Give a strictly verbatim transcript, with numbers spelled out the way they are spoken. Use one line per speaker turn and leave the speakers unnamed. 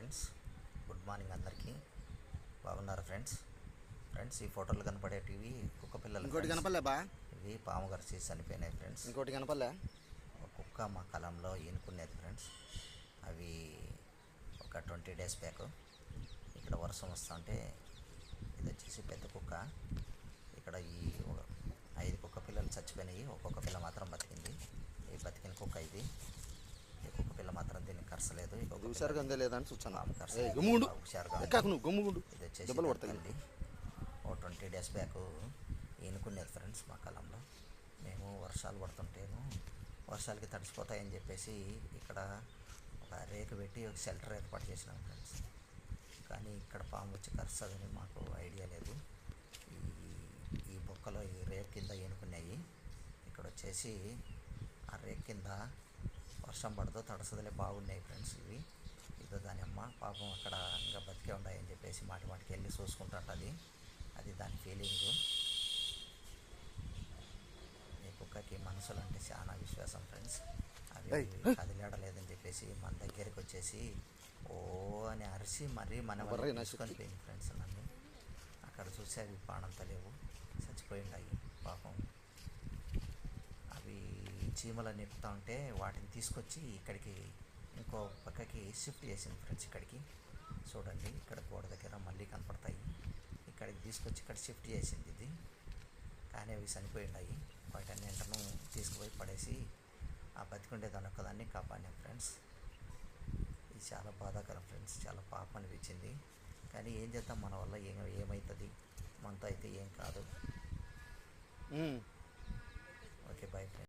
Friends, good morning అందరికీ. బాగున్నారా friends? Friends, ఈ ఫోటోలు కనపడేటివి కుక్క పిల్లలు.
ఇంకోటి కనపడలే బా,
ఇవి పాము కరిచి చనిపోయినాయి ఫ్రెండ్స్.
ఇంకోటి కనపడలే.
ఒక కుక్క మా కలంలో ఈనుకునేది ఫ్రెండ్స్. అవి ఒక ట్వంటీ డేస్ బ్యాక్ ఇక్కడ వర్షం వస్తుంటే ఇది వచ్చేసి పెద్ద కుక్క. ఇక్కడ ఈ ఐదు కుక్క పిల్లలు చచ్చిపోయినాయి, ఒక్కొక్క పిల్ల మాత్రం బతికింది. ఈ బతికిన కుక్క ఇది. ఈ కుక్క పిల్ల మాత్రం దీన్ని కరసలేదు.
హుషారుగా అందే లేదని చూస్తాను.
హుషారుగా ఇది వచ్చేసి బతికింది. ఓ ట్వంటీ డేస్ బ్యాక్ ఈనుకునేది ఫ్రెండ్స్ మా కాలంలో. మేము వర్షాలు పడుతుంటేను వర్షాలకి తడిసిపోతాయని చెప్పేసి ఇక్కడ ఒక రేకు పెట్టి ఒక షెల్టర్ ఏర్పాటు చేసినాం ఫ్రెండ్స్. కానీ ఇక్కడ పాము వచ్చి కరుస్తుందని మాకు ఐడియా లేదు. ఈ ఈ బొక్కలో ఈ రేకు కింద ఈనుకున్నాయి. ఇక్కడ వచ్చేసి ఆ రేకు కింద వర్షం పడదో తడసదలే బాగున్నాయి ఫ్రెండ్స్. ఇవి ఇదో దాని అమ్మ పాపం అక్కడ ఇంకా బతికే ఉన్నాయని చెప్పేసి మాటి మాటికి వెళ్ళి చూసుకుంటుంటుంది. అది దాని ఫీలింగు. ఈ కుక్కకి మనుషులు అంటే చాలా విశ్వాసం ఫ్రెండ్స్. అవి కదిలేడలేదని చెప్పేసి మన దగ్గరికి వచ్చేసి ఓ అని అరిసి మరీ మన తీసుకొని పోయింది ఫ్రెండ్స్. నన్ను అక్కడ చూసి అవి ప్రాణంతా లేవు, చచ్చిపోయిండాయి పాపం. అవి చీమలను ఎక్కుతూ ఉంటే వాటిని తీసుకొచ్చి ఇక్కడికి ఇంకో పక్కకి షిఫ్ట్ చేసింది ఫ్రెండ్స్. ఇక్కడికి చూడండి, ఇక్కడ గోడ దగ్గర మళ్ళీ కనపడతాయి. ఇక్కడికి తీసుకొచ్చి ఇక్కడ షిఫ్ట్ చేసింది ఇది. కానీ అవి చనిపోయిండాయి. వాటన్నింటిను తీసుకుపోయి పడేసి ఆ బతికుండే దాని ఒక్కదాన్ని కాపాడినాం ఫ్రెండ్స్. ఇది చాలా బాధాకరం ఫ్రెండ్స్, చాలా పాపం అనిపించింది. కానీ ఏం చేద్దాం, మన వల్ల ఏం ఏమవుతుంది, మనతో అయితే ఏం కాదు. Okay, bye friends.